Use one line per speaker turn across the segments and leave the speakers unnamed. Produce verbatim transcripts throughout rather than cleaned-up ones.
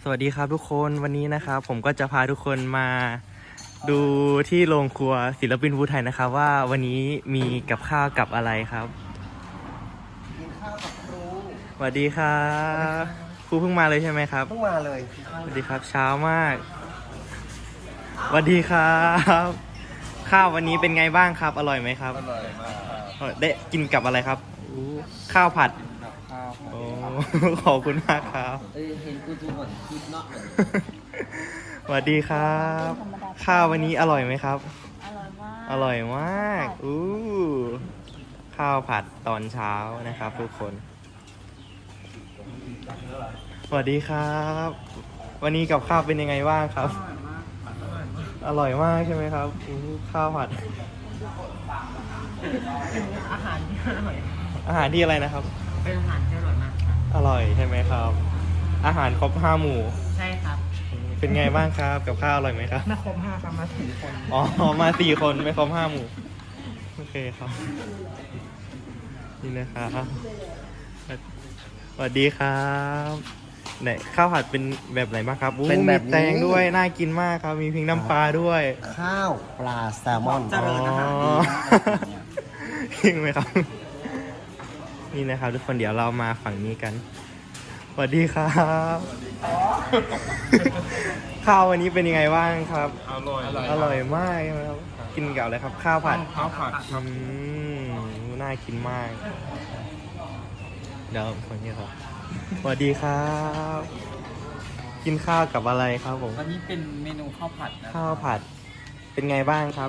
วัสดีครับทุกคนวันนี้นะครับผมก็จะพาทุกคนมาดูที่โรงครัวศิลปินภูไทยนะครับว่าวันนี้มีกับข้าวกับอะไรครับ
กินข้าวกับครู
สวัสดีครับครูเพิ่งมาเลยใช่ไหมครับ
เพิ่งมาเลย
สวัสดีครับเช้ามากสวัสดีครับข้าววันนี้เป็นไงบ้างครับอร่อยไหมครับ
อร่อยมากครับ
ได้กินกับอะไรครับข้าวผัด
กับข้าว
โอ้ขอบคุณมากครับ
เอ้ยเห็นกูดูเหมือนคลิปเนาะ
สวัสดีครับข้าววันนี้อร่อยไหมครับ
อร่อยมาก
อร่อยมากอู้ข้าวผัดตอนเช้านะครับทุกคนสวัสดีครับ วันนี้กับข้าวเป็นยังไงบ้างครับ อร่อยมากใช่ไหมครับอู้ข้าวผัด
อาหารที่อร่อย
อาหารที่อะไรนะครับ
เป็นอาหารที่อร่อยมาก
อร่อยใช่ไหมครับ อาหารครบห้าหมู่
ใช่ครับ
เป็นไงบ้างครับกับข้าวอร่อยไหมครับ
ไม่ครบห้าครับมาสี่คน
อ๋อมาสี่คนไม่ครบห้าหมู่โอเคครับนี่นะครับสวัสดีครับไหนข้าวผัดเป็นแบบไหนบ้างครับอู้
เป็นแบบ
มี
นี้
แตงด้วยน่ากินมากครับมีพริกน้ำปลาด้วย
ข้าวปลาแซลมอน
เจริญอาหารดีจริงไหมครับ นี่นะครับทุกคนเดี๋ยวเรามาฝั่งนี้กันสวัสดีครับข้าววันนี้เป็นยังไงบ้างครับ
อร่อย
อร่อยมากใช่ไหมครับกินกับอะไรครับ ข้าวผัด
ข้าวผัด
อืมน่ากินมาก เดี๋ยวคนนี้ครับสวัสดีครับ กินข้าวกับอะไรครับผม
วันนี้เป็นเมนูข้าวผัดนะ
ข้าวผัด เป็นไงบ้างครับ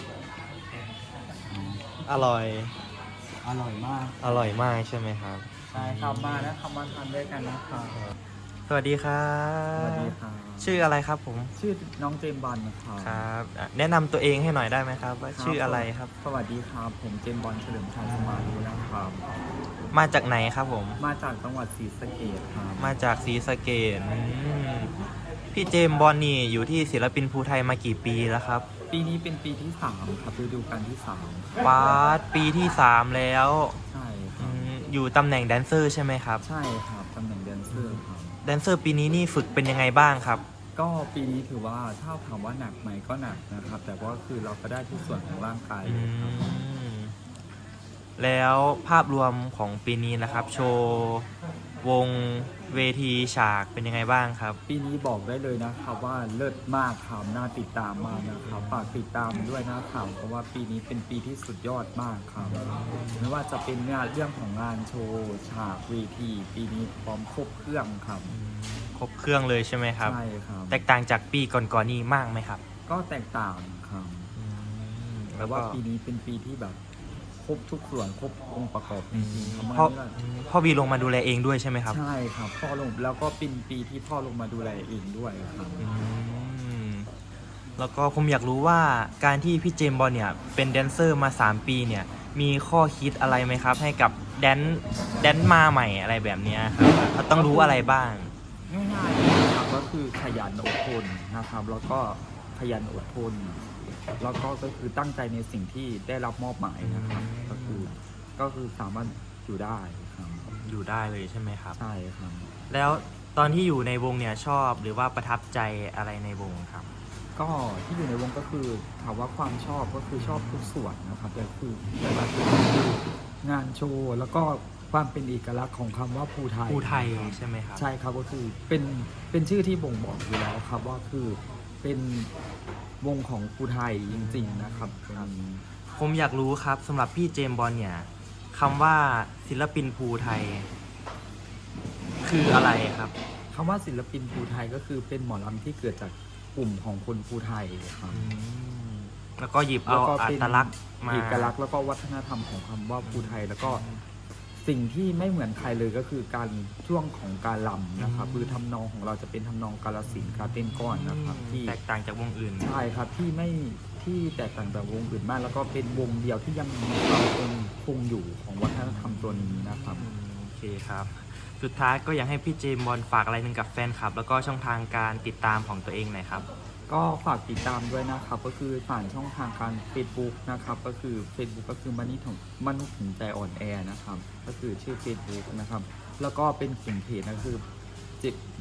อร่อย
อร่อยมาก
อร่อยมากใช่ไหมครับ
ใช่ครับมาแล้วครับมาทานด้วยกันนะครับ
สวัสดีครับ
สวัสดีครับ
ชื่ออะไรครับผม
ชื่อน้องเจมส์บอลนะครับ
ครับอ่ะแนะนำตัวเองให้หน่อยได้ไหมครับ ว่าชื่ออะไรครับ
สวัสดีครับผมเจมส์บอลเฉลิมชัยสมารีนะครับ
มาจากไหนครับผม
มาจากจังหวัดศรีสะเกษครับ
มาจากศรีสะเกษอืมพี่เจมส์บอลนี่อยู่ที่ศิลปินภูไทยมากี่ปีแล้วครับ
ปีนี้เป็นปีที่สามครับฤดูกาลที่สามครับ
ปาร์ตปีที่สามแล้ว
ใช่ค
อื
รับ
มอยู่ตำแหน่งแดนเซอร์ใช่ไหมครับ
ใช่ครับตำแหน่งแดนเซอร์ครับ
แดนเซอร์ปีนี้นี่ฝึกเป็นยังไงบ้างครับ
ก็ปีนี้ถือว่าถ้าถามว่าหนักไหมก็หนักนะครับ แต่ว่าคือเราก็ได้ทุกส่วนของร่างกาย
อื
เลยครับ
มแล้วภาพรวมของปีนี้นะครับ โชว์วงเวทีฉากเป็นยังไงบ้างครับ
ปีนี้บอกได้เลยนะครับว่าเลิศมากครับน่าติดตามมากนะครับฝากติดตามด้วยนะครับเพราะว่าปีนี้เป็นปีที่สุดยอดมากครับไม่ว่าจะเป็นงานเรื่องของงานโชว์ฉากเวทีปีนี้พร้อมครบเครื่องครับ
ครบเครื่องเลยใช่ไหมครับ
ใช่ครับ
แตกต่างจากปีก่อนๆนี่มากไหมครับ
ก็แตกต่างครับ
อืม
แต่
แล้วก็
ว่าปีนี้เป็นปีที่แบบครบทุกส่วนครบองค์ประกอบจริงๆครับ
พ่อ
ไม่ว่า
พ่อบีลงมาดูแลเองด้วยใช่ไหมครับ
ใช่ครับพ่อลงแล้วก็เป็นปีที่พ่อลงมาดูแลเองด้วยครับ
อืมแล้วก็ผมอยากรู้ว่าการที่พี่เจมส์บอลเนี่ยเป็นแดนเซอร์มาสามปีเนี่ยมีข้อคิดอะไรไหมครับ ให้กับแดนแดนมาใหม่อะไรแบบเนี้ยครับเขาต้องรู้อะไรบ้าง
ง่ายๆนะครับก็คือขยันอดทนนะครับ แล้วก็ขยันอดทน แล้วก็ก็คือตั้งใจในสิ่งที่ได้รับมอบหมายนะครับ ก็คือก็คือสามารถอยู่ได้ครับ
อยู่ได้เลยใช่ไหมครับ
ใช่ครับ
แล้วตอนที่อยู่ในวงเนี่ยชอบหรือว่าประทับใจอะไรในวงครับ
ก็ที่อยู่ในวงก็คือถามว่าความชอบก็คือชอบทุกส่วนนะครับแต่คือแต่ละส่วนคืองานโชว์แล้วก็ความเป็นเอกลักษณ์ของคำว่าภูไทย
ภูไทย
นะครับ
ใช่ไหมครับ
ใช่ครับก็คือเป็นเป็นชื่อที่บ่งบอกอยู่แล้วครับว่าคือเป็นวงของภูไทยจริงๆนะครับตรงนี้
ผมอยากรู้ครับสำหรับพี่เจมส์บอลเนี่ยคำว่าศิลปินภูไทย คืออะไรครับ
คำว่าศิลปินภูไทยก็คือเป็นหมอลำที่เกิดจากกลุ่มของคนภูไทยครับ
อืมแล้วก็หยิบเอา
แล้วก็
อั
เป็น
ตลักษณ์มา
เอกลักษณ์แล้วก็วัฒนธรรมของคำว่าภูไทย แล้วก็สิ่งที่ไม่เหมือนใครเลยก็คือการช่วงของการลำนะครับคือทำนองของเราจะเป็นทำนองกาลสินธุ์การเต้นก้อนนะครับที่
แตกต่างจากวงอื่น
ใช่ครับที่ไม่ที่แตกต่างจากวงอื่นมาก แล้วก็เป็นวงเดียวที่ยังมีความคงคงอยู่ของวัฒนธรรมตัวนี้นะครับ
อืมโอเคครับ สุดท้ายก็อยากให้พี่เจมส์บอลฝากอะไรหนึ่งกับแฟนคลับ แล้วก็ช่องทางการติดตามของตัวเองหน่อยครับ
ก็ฝากติดตามด้วยนะครับ ก็คือผ่านช่องทางการ Facebook นะครับ ก็คือ Facebook ก็คือมนุษย์ถึงมนุษย์ถึงใจอ่อนแอนะครับ ก็คือชื่อ Facebook นะครับ แล้วก็เป็นกลุ่มเพจนะคือเจ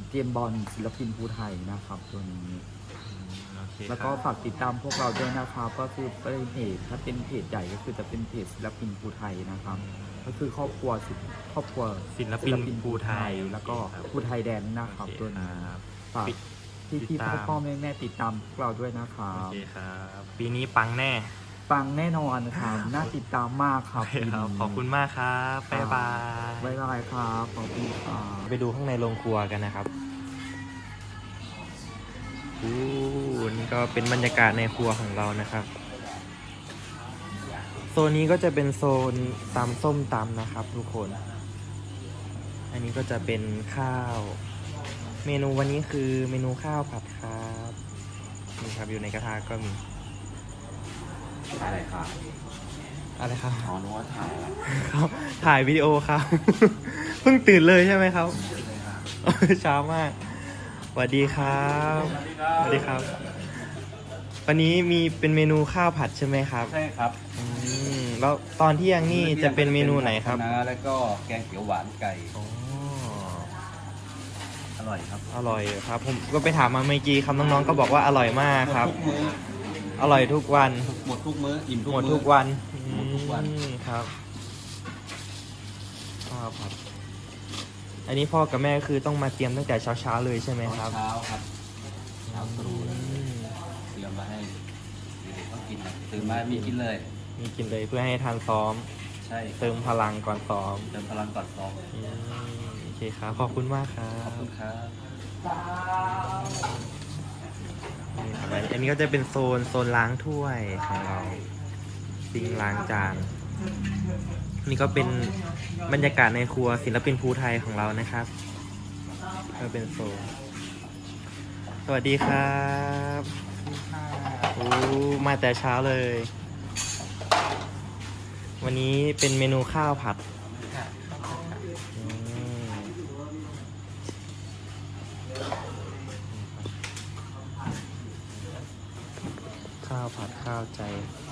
เจมส์บอลศิลปินภูไทยนะครับตัวนี้
โอเค
แล้ว
ค
ก็
รับ
ฝากติดตามพวกเราด้วยนะครับก็คือเป็นเพจถ้าเป็นเพจใหญ่ก็คือจะเป็นเพจศิลปินภูไทยนะครับ ก็คือครอบครัวศิลครอบครัว
ศิลปินภูไทย
แล้วก็
โอเคครับ
ภูไทยแดนนะครับ
โอเค
ตัวนี้
ครับ
ฝาก
ปิด
พี่
ติ
พี่
ดตาม
พ่อพ่อแม่แม่ติดตามพวกเราด้วยนะครั
โอบ เคครับปีนี้ปังแน่
ฟังแน่นอนครับน่าติดตามมากค
โอ
รับ
เคครับขอบคุณมากครับบ๊ายบาย
บ๊ายบายครับขอบคุณครับ
ไปดูข้างในโรงครัวกันนะครับอู้นี่ก็เป็นบรรยากาศในครัวของเรานะครับ โซนนี้ก็จะเป็นโซนตำส้มตำนะครับ ทุกคน อันนี้ก็จะเป็นข้าว เมนูวันนี้คือเมนูข้าวผัดครับนี่ครับอยู่ในกระทะก็มี
อะไรครับ
อะไรครับ
อ๋อนึกว่าถ่ายอะไร
ครับถ่ายวิดีโอครับ เพิ่งตื่นเลยใช่ไหมครับ เช้ามากสวัสดีครับสวัสดีครับ วันนี้มีเป็นเมนูข้าวผัดใช่ไหมครับ
ใช่ครับ
อืมแล้วตอนเที่ยงนี่จะเป็นเมนูไหนครับ
นะแล้วก็แกงเขียวหวานไก่
อ๋อ
อร่อยครับ
อร่อยครับ ผมก็ไปถามมาเมื่อกี้ครับน้องๆก็บอกว่าอร่อยมากครับ
หมดทุกมื้อ
อร่อยทุกวัน
หมดทุกมื้ออิ่มทุก
หมด
มื้อ
ทุกวัน
หมดทุกวัน
อืมครับข้าวผัดอันนี้พ่อกับแม่คือต้องมาเตรียมตั้งแต่เช้าๆเลยใช่ไหมครับ
เช้าครับเช้าตรู่
อืม
เตรียมมาให้เด็กๆก็กินนะตื่นมามีกินเลย
มีกินเลยเพื่อให้ทานซ้อม
ใช่
เติมพลังก่อนซ้อม
เติมพลังก่อนซ้อม
อืมโอเคครับ ขอบคุณมากครั
ขอบบ คุณครับ
นี่ครับอันนี้ก็จะเป็นโซนโซนล้างถ้วยของเราซิงค์ล้างจานนี่ก็เป็นบรรยากาศในครัวศิลปินภูไทยของเรานะครับก็เป็นโซนสวัสดีครับโอ้มาแต่เช้าเลย วันนี้เป็นเมนูข้าวผัดอืมข้าวผัดข้าวใจ